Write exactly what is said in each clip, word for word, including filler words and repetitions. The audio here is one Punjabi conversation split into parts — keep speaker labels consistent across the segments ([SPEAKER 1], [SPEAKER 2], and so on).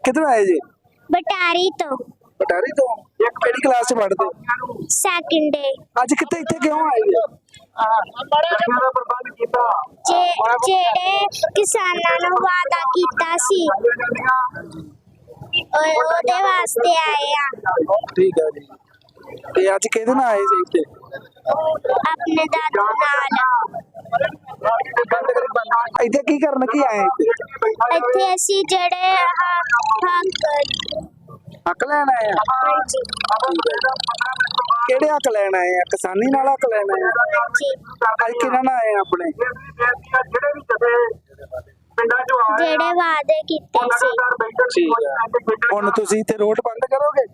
[SPEAKER 1] किधर आए जी?
[SPEAKER 2] बटारी तो
[SPEAKER 1] पटारी तो किहड़ी क्लास च पढ़दे?
[SPEAKER 2] सैकंड डे
[SPEAKER 1] ਅੱਜ ਕਿੱਥੇ ਇੱਥੇ ਕਿਉਂ ਆਏ ਜੀ?
[SPEAKER 2] जे जेड़े किसानां नूं वादा कीता सी ओए ओदे वास्ते आए आ
[SPEAKER 1] ਠੀਕ ਹੈ ਜੀ। ਤੇ ਅੱਜ ਕਿਹਦੇ ਨਾਲ ਆਏ ਸੀ ਇੱਥੇ?
[SPEAKER 2] अपने दादू नाल
[SPEAKER 1] ਇੱਥੇ ਕੀ ਕਰਨ ਕੀ ਆਏ ਇੱਥੇ?
[SPEAKER 2] ਇੱਥੇ ਅਸੀਂ ਜਿਹੜੇ ਹੱਕ
[SPEAKER 1] ਹੱਕ ਲੈਣ ਆਏ ਆ?
[SPEAKER 2] ਹਾਂਜੀ
[SPEAKER 1] ਕਿਹੜੇ ਹੱਕ ਲੈਣ ਆਏ ਆ? ਕਿਸਾਨੀ ਨਾਲ ਹੱਕ ਲੈਣ ਆਏ ਆ?
[SPEAKER 2] ਹਾਂਜੀ
[SPEAKER 1] ਅੱਜ ਕਿਹਨਾਂ ਨਾਲ ਆਏ ਆ ਆਪਣੇ?
[SPEAKER 2] ਜਿਹੜੇ ਵਾਅਦੇ ਕੀਤੇ ਸੀ
[SPEAKER 1] ਠੀਕ ਹੈ। ਹੁਣ ਤੁਸੀਂ ਇੱਥੇ ਰੋਡ ਬੰਦ ਕਰੋਗੇ?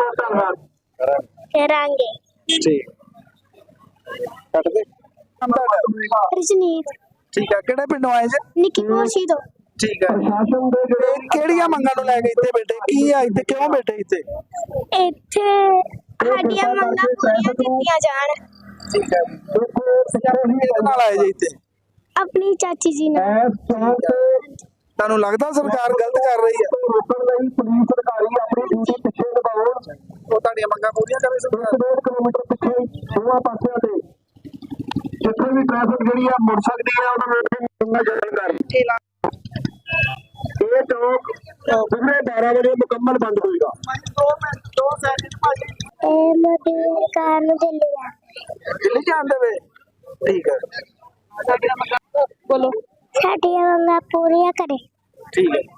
[SPEAKER 2] ਕਰਾਂਗੇ।
[SPEAKER 1] ਠੀਕ ਕੱਟ ਦੇ।
[SPEAKER 2] ਰਜਨੀਤ
[SPEAKER 1] ਠੀਕ ਹੈ। ਕਿਹੜੇ ਪਿੰਡੋਂ ਆਏ ਜੀ?
[SPEAKER 2] ਨਿੱਕੀ ਕੋਸ਼ੀ ਤੋਂ
[SPEAKER 1] ਠੀਕ ਹੈ। ਤੇ ਕਿਹੜੀਆਂ ਮੰਗਾਂ ਨੂੰ ਲੈ ਕੇ ਇੱਥੇ ਬੈਠੇ? ਕੀ ਆ ਇੱਥੇ? ਕਿਉਂ ਬੈਠੇ ਇੱਥੇ?
[SPEAKER 2] ਇੱਥੇ ਸਾਡੀਆਂ ਮੰਗਾਂ ਪੂਰੀਆਂ ਕੀਤੀਆਂ ਜਾਣ।
[SPEAKER 1] ਠੀਕ ਹੈ। ਕਿਹਦੇ ਨਾਲ ਆਏ ਜੀ ਇੱਥੇ?
[SPEAKER 2] ਆਪਣੀ ਚਾਚੀ ਜੀ ਨਾਲ
[SPEAKER 1] ਤੁਹਾਨੂੰ ਲੱਗਦਾ ਸਰਕਾਰ ਗਲਤ ਕਰ ਰਹੀ ਹੈ? ਪੁਲਿਸ ਅਧਿਕਾਰੀ ਆਪਣੀ ਡਿਊਟੀ ਪਿੱਛੇ ਲਗਾਉਣ, ਉਹ ਤੁਹਾਡੀਆਂ ਮੰਗਾਂ ਪੂਰੀਆਂ ਕਰੇ ਸਰਕਾਰ। ਡੇਢ ਕਿਲੋਮੀਟਰ ਪਿੱਛੇ ਦੋਵਾਂ ਪਾਸਿਆਂ ਤੇ ਜਿੱਥੇ ਵੀ ਟ੍ਰੈਫਿਕ ਜਿਹੜੀ ਆ ਮੁੜ ਸਕਦੀ ਹੈ ਉਹਨਾਂ ਨੂੰ ਮੰਗਾਂ ਜਾਰੀ ਕਰ। ਇਹ ਚੌਕ ਸਵੇਰੇ ਬਾਰਾਂ ਵਜੇ ਮੁਕੰਮਲ ਬੰਦ ਹੋਏਗਾ।
[SPEAKER 2] ਇਹ ਮੋਦੀ ਸਰਕਾਰ ਨੂੰ ਦਿੱਲੀ ਆ
[SPEAKER 1] ਦਿੱਲੀ ਜਾਣ ਦੇਵੇ? ਠੀਕ ਹੈ। ਬੋਲੋ।
[SPEAKER 2] ਸਾਡੀਆਂ ਮੰਗਾਂ ਪੂਰੀਆਂ ਕਰੇ।
[SPEAKER 1] ਠੀਕ ਹੈ।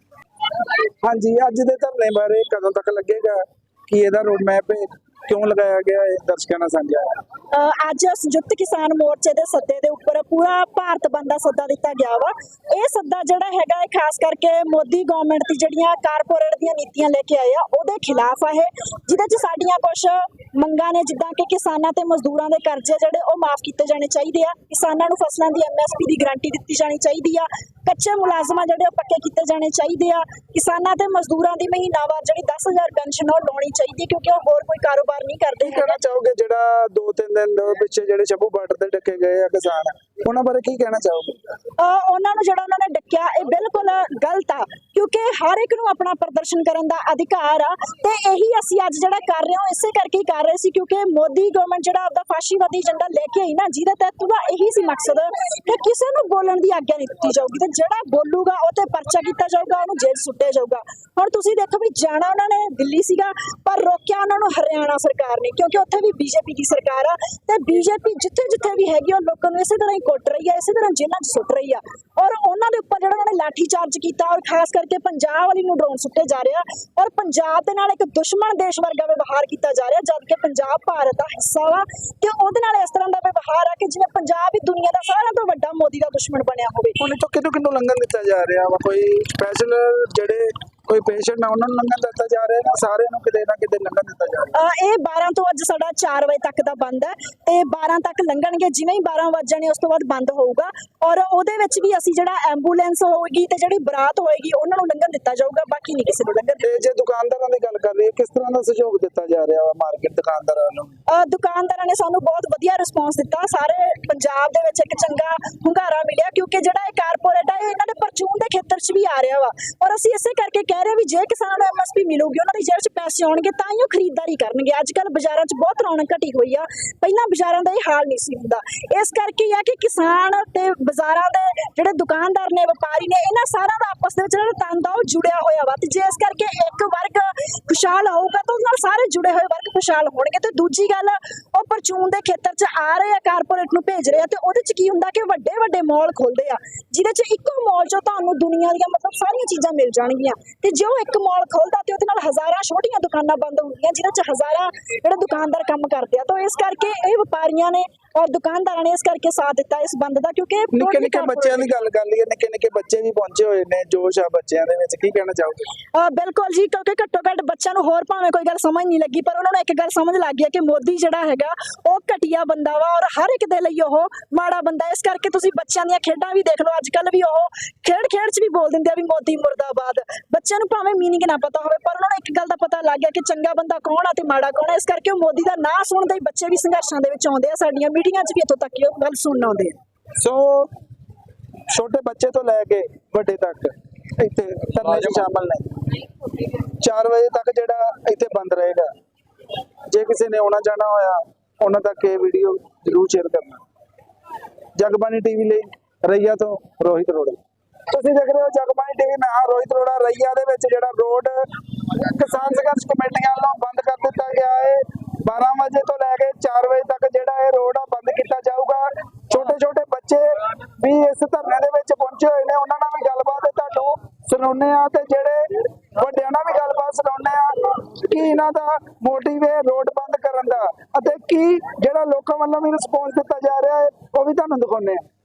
[SPEAKER 1] ਹਾਂਜੀ, ਅੱਜ ਦੇ ਧਰਨੇ ਬਾਰੇ ਕਦੋਂ ਤੱਕ ਲੱਗੇਗਾ? ਕੀ ਇਹਦਾ ਰੋਡ ਮੈਪ ਹੈ? ਕਿਉਂ ਲਗਾਇਆ ਗਿਆ ਹੈ? ਦਰਸ਼ਕਾਂ ਨਾਲ ਸਾਂਝਾ।
[SPEAKER 3] ਅੱਜ ਸੰਯੁਕਤ ਕਿਸਾਨ ਮੋਰਚੇ ਦੇ ਸੱਦੇ ਦੇ ਉੱਪਰ ਪੂਰਾ ਭਾਰਤ ਬੰਦ ਦਾ ਸੱਦਾ ਦਿੱਤਾ ਗਿਆ ਵਾ। ਇਹ ਸੱਦਾ ਜਿਹੜਾ ਹੈਗਾ ਹੈ ਖਾਸ ਕਰਕੇ ਮੋਦੀ ਗਵਰਨਮੈਂਟ ਦੀ ਜਿਹੜੀਆਂ ਕਾਰਪੋਰੇਟ ਦੀਆਂ ਨੀਤੀਆਂ ਲੈ ਕੇ ਆਏ ਆ ਉਹਦੇ ਖਿਲਾਫ ਆ ਇਹ, ਜਿਹਦੇ 'ਚ ਸਾਡੀਆਂ ਕੁਝ ਮੰਗਾਂ ਨੇ, ਜਿੱਦਾਂ ਕਿ ਕਿਸਾਨਾਂ ਤੇ ਮਜ਼ਦੂਰਾਂ ਦੇ ਕਰਜ਼ੇ ਜਿਹੜੇ ਉਹ ਮਾਫ ਕੀਤੇ ਜਾਣੇ ਚਾਹੀਦੇ ਆ, ਕਿਸਾਨਾਂ ਨੂੰ ਫਸਲਾਂ ਦੀ ਐਮ ਐਸ ਪੀ ਦੀ ਗਾਰੰਟੀ ਦਿੱਤੀ ਜਾਣੀ ਚਾਹੀਦੀ ਆ, ਕੱਚੇ ਮੁਲਾਜ਼ਮਾਂ ਜਿਹੜੇ ਉਹ ਪੱਕੇ ਕੀਤੇ ਜਾਣੇ ਚਾਹੀਦੇ ਆ, ਕਿਸਾਨਾਂ ਤੇ ਮਜ਼ਦੂਰਾਂ ਦੀ ਮਹੀਨਾਵਾਰ ਜਿਹੜੀ ਦਸ ਹਜ਼ਾਰ ਪੈਨਸ਼ਨ ਉਹ ਲਾਉਣੀ ਚਾਹੀਦੀ ਕਿਉਂਕਿ ਉਹ ਹੋਰ ਕੋਈ ਕਾਰੋਬਾਰ ਨਹੀਂ ਕਰਦੇ।
[SPEAKER 1] ਕੀ ਕਹਿਣਾ ਚਾਹੋਗੇ ਜਿਹੜਾ ਦੋ ਤਿੰਨ ਦਿਨ ਦੇ ਪਿੱਛੇ ਜਿਹੜੇ ਸ਼ੰਭੂ ਬਾਰਡਰ ਤੇ ਡੱਕੇ ਗਏ ਆ ਕਿਸਾਨ, ਉਹਨਾਂ ਬਾਰੇ ਕੀ ਕਹਿਣਾ ਚਾਹੋਗੇ?
[SPEAKER 3] ਉਹਨਾਂ ਨੂੰ ਜਿਹੜਾ ਉਹਨਾਂ ਨੇ ਡੱਕਿਆ ਇਹ ਬਿਲਕੁਲ ਗਲਤ ਆ ਕਿਉਂਕਿ ਹਰ ਇੱਕ ਨੂੰ ਆਪਣਾ ਪ੍ਰਦਰਸ਼ਨ ਕਰਨ ਦਾ ਅਧਿਕਾਰ ਆ ਤੇ ਇਹੀ ਅਸੀਂ ਅੱਜ ਜਿਹੜਾ ਕਰ ਰਹੇ ਹਾਂ ਇਸੇ ਕਰਕੇ ਹੀ ਕਰ ਰਹੇ ਸੀ ਕਿਉਂਕਿ ਮੋਦੀ ਗਵਰਨਮੈਂਟ ਜਿਹੜਾ ਆਪਦਾ ਫਾਸ਼ੀਵਾਦੀ ਏਜੰਡਾ ਲੈ ਕੇ ਆਈ ਨਾ, ਜਿਹਦੇ ਤਹਿਤ ਉਹਦਾ ਇਹੀ ਸੀ ਮਕਸਦ ਕਿ ਕਿਸੇ ਨੂੰ ਬੋਲਣ ਦੀ ਆਗਿਆ ਨਹੀਂ ਦਿੱਤੀ ਜਾਊਗੀ ਤੇ ਜਿਹੜਾ ਬੋਲੂਗਾ ਉਹ ਤੇ ਪਰਚਾ ਕੀਤਾ ਜਾਊਗਾ, ਉਹਨੂੰ ਜੇਲ੍ਹ ਸੁੱਟਿਆ ਜਾਊਗਾ। ਹੁਣ ਤੁਸੀਂ ਦੇਖੋ ਵੀ ਜਾਣਾ ਉਹਨਾਂ ਨੇ ਦਿੱਲੀ ਸੀਗਾ ਪਰ ਰੋਕਿਆ ਉਹਨਾਂ ਨੂੰ ਹਰਿਆਣਾ ਸਰਕਾਰ ਨੇ ਕਿਉਂਕਿ ਉੱਥੇ ਵੀ ਬੀਜੇਪੀ ਦੀ ਸਰਕਾਰ ਆ ਤੇ ਬੀਜੇਪੀ ਜਿੱਥੇ ਜਿੱਥੇ ਵੀ ਹੈਗੀ ਉਹ ਲੋਕਾਂ ਨੂੰ ਇਸੇ ਤਰ੍ਹਾਂ ਹੀ ਕੁੱਟ ਰਹੀ ਆ, ਇਸੇ ਤਰ੍ਹਾਂ ਜੇਲ੍ਹਾਂ 'ਚ ਸੁੱਟ ਰਹੀ ਆ ਔਰ ਉਹਨਾਂ ਦੇ ਉੱਪਰ ਜਿਹੜਾ ਉਹਨਾਂ ਨੇ ਲਾਠੀ ਚਾਰਜ ਕੀਤਾ ਔਰ ਖਾਸ ਕਰਕੇ ਪੰਜਾਬ ਵਾਲੀ ਨੂੰ ਡਰੋਨ ਸੁੱਟੇ ਜਾ ਰਿਹਾ ਔਰ ਪੰਜਾਬ ਦੇ ਨਾਲ ਇੱਕ ਦੁਸ਼ਮਣ ਦੇਸ਼ ਵਰਗਾ ਵਿਵਹਾਰ ਕੀਤਾ ਜਾ ਰਿਹਾ ਜਦ ਕਿ ਪੰਜਾਬ ਭਾਰਤ ਦਾ ਹਿੱਸਾ ਵਾ ਤੇ ਉਹਦੇ ਨਾਲ ਇਸ ਤਰ੍ਹਾਂ ਦਾ ਵਿਵਹਾਰ ਆ ਕਿ ਜਿਵੇਂ ਪੰਜਾਬ ਹੀ ਦੁਨੀਆ ਦਾ ਸਾਰਿਆਂ ਤੋਂ ਵੱਡਾ ਮੋਦੀ ਦਾ ਦੁਸ਼ਮਣ ਬਣਿਆ ਹੋਵੇ।
[SPEAKER 1] ਹੁਣ ਇੱਥੋਂ ਕਿਹਨੂੰ ਕਿਹਨੂੰ ਲੰਘਣ ਦਿੱਤਾ ਜਾ ਰਿਹਾ ਵਾ? ਕੋਈ ਸਪੈਸ਼ਲ ਜਿਹੜੇ ਕੋਈ ਪੇਸ਼ੈਂਟ ਆ ਉਹਨਾਂ ਨੂੰ ਲੰਘਣ ਦਿੱਤਾ ਜਾ ਰਿਹਾ ਨਾ ਸਾਰਿਆਂ ਨੂੰ ਕਿਤੇ ਨਾ ਕਿਤੇ ਲੰਘਣ ਦਿੱਤਾ ਜਾ ਰਿਹਾ?
[SPEAKER 3] ਇਹ ਬਾਰਾਂ ਤੋਂ ਅੱਜ ਸਾਡਾ ਚਾਰ ਵਜੇ ਤੱਕ ਦਾ ਬੰਦ ਹੈ ਤੇ ਬਾਰਾਂ ਤੱਕ ਲੰਘਣਗੇ, ਜਿਵੇਂ ਹੀ ਬਾਰਾਂ ਵੱਜ ਜਾਣੇ ਉਸ ਤੋਂ ਬਾਅਦ ਬੰਦ ਹੋਊਗਾ ਔਰ ਉਹਦੇ ਵਿੱਚ ਵੀ ਅਸੀਂ ਜਿਹੜਾ ਐਂਬੂਲੈਂਸ ਹੋਏਗੀ ਤੇ ਜਿਹੜੀ ਬਰਾਤ ਹੋਏਗੀ ਉਹਨਾਂ ਨੂੰ ਲੰਘਣ ਦਿੱਤਾ ਜਾਊਗਾ, ਬਾਕੀ ਨਹੀਂ ਕਿਸੇ ਨੂੰ ਲੰਘਣ ਦਿੱਤਾ।
[SPEAKER 1] ਤੇ ਜੇ ਦੁਕਾਨਦਾਰਾਂ ਦੀ ਗੱਲ ਕਰ ਲਈਏ ਕਿਸ ਤਰ੍ਹਾਂ ਦਾ ਸਹਿਯੋਗ ਦਿੱਤਾ ਜਾ ਰਿਹਾ ਵਾ ਮਾਰਕੀਟ ਦੁਕਾਨਦਾਰਾਂ ਨੂੰ?
[SPEAKER 3] ਦੁਕਾਨਦਾਰਾਂ ਨੇ ਸਾਨੂੰ ਬਹੁਤ ਵਧੀਆ ਰਿਸਪੌਂਸ ਦਿੱਤਾ, ਸਾਰੇ ਪੰਜਾਬ ਦੇ ਵਿੱਚ ਇੱਕ ਚੰਗਾ ਹੁੰਗਾਰਾ ਮਿਲਿਆ ਕਿਉਂਕਿ ਜਿਹੜਾ ਇਹ ਕਾਰਪੋਰੇਟ ਆ ਇਹ ਇਹਨਾਂ ਦੇ ਪਰਚੂਨ ਦੇ ਖੇਤਰ 'ਚ ਵੀ ਆ ਰਿਹਾ ਵਾ ਔਰ ਅਸੀਂ ਇਸੇ ਕਰਕੇ ਕਹਿ ਰਹੇ ਵੀ ਜੇ ਕਿਸਾਨਾਂ ਨੂੰ ਐਮ ਐਸ ਪੀ ਮਿਲੂਗੀ ਉਹਨਾਂ ਦੀ ਜੇਬ 'ਚ ਪੈਸੇ ਆਉਣਗੇ ਤਾਂ ਹੀ ਉਹ ਖਰੀਦਦਾਰੀ ਕਰਨਗੇ। ਅੱਜ ਕੱਲ੍ਹ ਬਾਜ਼ਾਰਾਂ 'ਚ ਬਹੁਤ ਰੌਣਕ ਘਟੀ ਹੋਈ ਆ, ਪਹਿਲਾਂ ਬਾਜ਼ਾਰਾਂ ਦਾ ਇਹ ਹਾਲ ਨਹੀਂ ਸੀ ਹੁੰਦਾ। ਇਸ ਕਰਕੇ ਇਹ ਆ ਕਿ ਕਿਸਾਨ ਤੇ ਬਾਜ਼ਾਰਾਂ ਦੇ ਜਿਹੜੇ ਦੁਕਾਨਦਾਰ ਨੇ, ਵਪਾਰੀ ਨੇ, ਇਹਨਾਂ ਸਾਰਿਆਂ ਦਾ ਆਪਸ ਦੇ ਵਿੱਚ ਜਿਹੜਾ ਤੰਦ ਆ ਉਹ ਜੁੜਿਆ ਹੋਇਆ ਵਾ ਤੇ ਜੇ ਇਸ ਕਰਕੇ ਇੱਕ ਵਰਗ ਖੁਸ਼ਹਾਲ ਹੋਊਗਾ ਤਾਂ ਉਹਦੇ ਨਾਲ ਸਾਰੇ ਜੁੜੇ ਹੋਏ ਵਰਗ ਖੁਸ਼ਹਾਲ ਹੋਣਗੇ। ਤੇ ਦੂਜੀ ਗੱਲ ਉਹ ਪਰਚੂਨ ਦੇ ਖੇਤਰ 'ਚ ਆ ਰਹੇ ਆ, ਕਾਰਪੋਰੇਟ ਨੂੰ ਭੇਜ ਰਹੇ ਆ ਤੇ ਉਹਦੇ 'ਚ ਕੀ ਹੁੰਦਾ ਕਿ ਵੱਡੇ ਵੱਡੇ ਮਾਲ ਖੁੱਲਦੇ ਆ ਜਿਹਦੇ 'ਚ ਇੱਕੋ ਮਾਲ 'ਚੋਂ ਤੁਹਾਨੂੰ ਦੁਨੀਆ ਦੀਆਂ ਮਤਲਬ ਸਾਰੀਆਂ ਚੀਜ਼ਾਂ ਮਿਲ ਜਾਣਗੀਆਂ ਤੇ ਜੇ ਉਹ ਇੱਕ ਮਾਲ ਖੋਲਦਾ ਤੇ ਉਹਦੇ ਨਾਲ ਹਜ਼ਾਰਾਂ ਛੋਟੀਆਂ ਦੁਕਾਨਾਂ ਬੰਦ ਹੁੰਦੀਆਂ ਜਿਹਦੇ 'ਚ ਹਜ਼ਾਰਾਂ ਜਿਹੜੇ ਦੁਕਾਨਦਾਰ ਕੰਮ ਕਰਦੇ ਆ। ਤਾਂ ਇਸ ਕਰਕੇ ਇਹ ਵਪਾਰੀਆਂ ਨੇ ਔਰ ਦੁਕਾਨਦਾਰਾਂ ਨੇ ਇਸ ਕਰਕੇ ਸਾਥ ਦਿੱਤਾ ਇਸ ਬੰਦ ਦਾ ਕਿਉਂਕਿ
[SPEAKER 1] ਨਿੱਕੇ ਨਿੱਕੇ ਬੱਚਿਆਂ ਦੀ ਗੱਲ ਕਰ ਲਈਏ, ਨਿੱਕੇ ਨਿੱਕੇ ਬੱਚੇ ਵੀ ਪਹੁੰਚੇ ਹੋਏ ਨੇ, ਜੋਸ਼ ਆ ਬੱਚਿਆਂ ਦੇ ਵਿੱਚ, ਕੀ ਕਹਿਣਾ ਚਾਹੋਗੇ?
[SPEAKER 3] ਬਿਲਕੁਲ ਜੀ, ਕਿਉਂਕਿ ਘੱਟੋ ਘੱਟ ਬੱਚਿਆਂ ਨੂੰ ਹੋਰ ਭਾਵੇਂ ਕੋਈ ਗੱਲ ਸਮਝ ਨਹੀਂ ਲੱਗੀ ਪਰ ਉਹਨਾਂ ਨੂੰ ਇੱਕ ਗੱਲ ਸਮਝ ਲੱਗ ਗਈ ਕਿ ਮੋਦੀ ਜਿਹੜਾ ਹੈਗਾ ਉਹ ਘਟੀਆ ਬੰਦਾ ਵਾ ਔਰ ਹਰ ਇੱਕ ਦੇ ਲਈ ਉਹ ਮਾੜਾ ਬੰਦਾ। ਇਸ ਕਰਕੇ ਤੁਸੀਂ ਬੱਚਿਆਂ ਦੀਆਂ ਖੇਡਾਂ ਵੀ ਦੇਖ ਲਓ, ਅੱਜ ਕੱਲ੍ਹ ਵੀ ਉਹ ਖੇਡ ਖੇਡ 'ਚ ਵੀ ਬੋਲ ਦਿੰਦੇ ਆ ਵੀ ਮੋਦੀ ਮੁਰਦਾਬਾਦ। ਬੱਚਿਆਂ ਨੂੰ ਭਾਵੇਂ ਮੀਨਿੰਗ ਨਾ ਪਤਾ ਹੋਵੇ ਪਰ ਉਹਨਾਂ ਨੂੰ ਇੱਕ ਗੱਲ ਦਾ ਪਤਾ ਲੱਗ ਗਿਆ ਕਿ ਚੰਗਾ ਬੰਦਾ ਕੌਣ ਆ ਤੇ ਮਾੜਾ ਕੌਣ ਆ। ਇਸ ਕਰਕੇ ਉਹ ਮੋਦੀ ਦਾ ਨਾਂ ਸੁਣਦੇ ਹੀ ਬੱਚੇ ਵੀ ਸੰਘਰਸ਼ਾਂ ਦੇ ਵਿੱਚ ਆਉਂਦੇ ਆ, ਸਾਡੀਆਂ ਮੀਟਿੰਗਾਂ 'ਚ ਵੀ ਇੱਥੋਂ ਤੱਕ ਉਹ ਗੱਲ ਸੁਣਨ ਆਉਂਦੇ ਆ।
[SPEAKER 1] ਸੋ ਛੋਟੇ ਬੱਚੇ ਤੋਂ ਲੈ ਕੇ ਵੱਡੇ ਤੱਕ ਇੱਥੇ ਧਰਨੇ 'ਚ ਸ਼ਾਮਲ ਨੇ। ਚਾਰ ਵਜੇ ਤੱਕ ਜਿਹੜਾ ਇੱਥੇ ਬੰਦ ਰਹੇਗਾ। ਜੇ ਕਿਸੇ ਨੇ ਆਉਣਾ ਜਾਣਾ ਹੋਇਆ ਉਹਨਾਂ ਤੱਕ ਇਹ ਵੀਡੀਓ ਜ਼ਰੂਰ ਸ਼ੇਅਰ ਕਰਨਾ। ਜਗਬਾਣੀ ਟੀਵੀ ਲਈ ਰਈਆ ਤੋਂ ਰੋਹਿਤ ਅਰੋੜਾ। ਤੁਸੀਂ ਦੇਖ ਰਹੇ ਹੋ ਜਗਬਾਣੀ ਟੀਵੀ, ਮੈਂ ਹਾਂ ਰੋਹਿਤ ਅਰੋੜਾ। ਰਈਆ ਦੇ ਵਿੱਚ ਜਿਹੜਾ ਰੋਡ ਕਿਸਾਨ ਸੰਘਰਸ਼ ਕਮੇਟੀਆਂ ਵੱਲੋਂ ਬੰਦ ਕਰ ਦਿੱਤਾ ਗਿਆ ਹੈ। ਬਾਰਾਂ ਵਜੇ ਤੋਂ ਲੈ ਕੇ ਚਾਰ ਵਜੇ ਤੱਕ ਜਿਹੜਾ ਇਹ ਰੋਡ ਆ ਬੰਦ ਕੀਤਾ ਜਾਊਗਾ। ਛੋਟੇ ਛੋਟੇ ਬੱਚੇ ਵੀ ਇਸ ਧਰਨੇ ਦੇ ਵਿੱਚ ਪਹੁੰਚੇ ਹੋਏ ਨੇ, ਉਹਨਾਂ ਨਾਲ ਵੀ ਗੱਲਬਾਤ ਤੁਹਾਨੂੰ ਸੁਣਾਉਂਦੇ ਆ ਤੇ ਜਿਹੜੇ ਵੱਡਿਆਂ ਨਾਲ ਵੀ ਗੱਲਬਾਤ ਸੁਣਾਉਂਦੇ ਆ ਕਿ ਇਹਨਾਂ ਦਾ ਮੋਟਿਵ ਹੈ ਰੋਡ ਬੰਦ ਕਰਨ ਦਾ ਅਤੇ ਕੀ ਜਿਹੜਾ ਲੋਕਾਂ ਵੱਲੋਂ ਵੀ ਰਿਸਪੌਂਸ ਦਿੱਤਾ ਜਾ ਰਿਹਾ ਹੈ ਉਹ ਵੀ ਤੁਹਾਨੂੰ ਦਿਖਾਉਂਦੇ ਆ।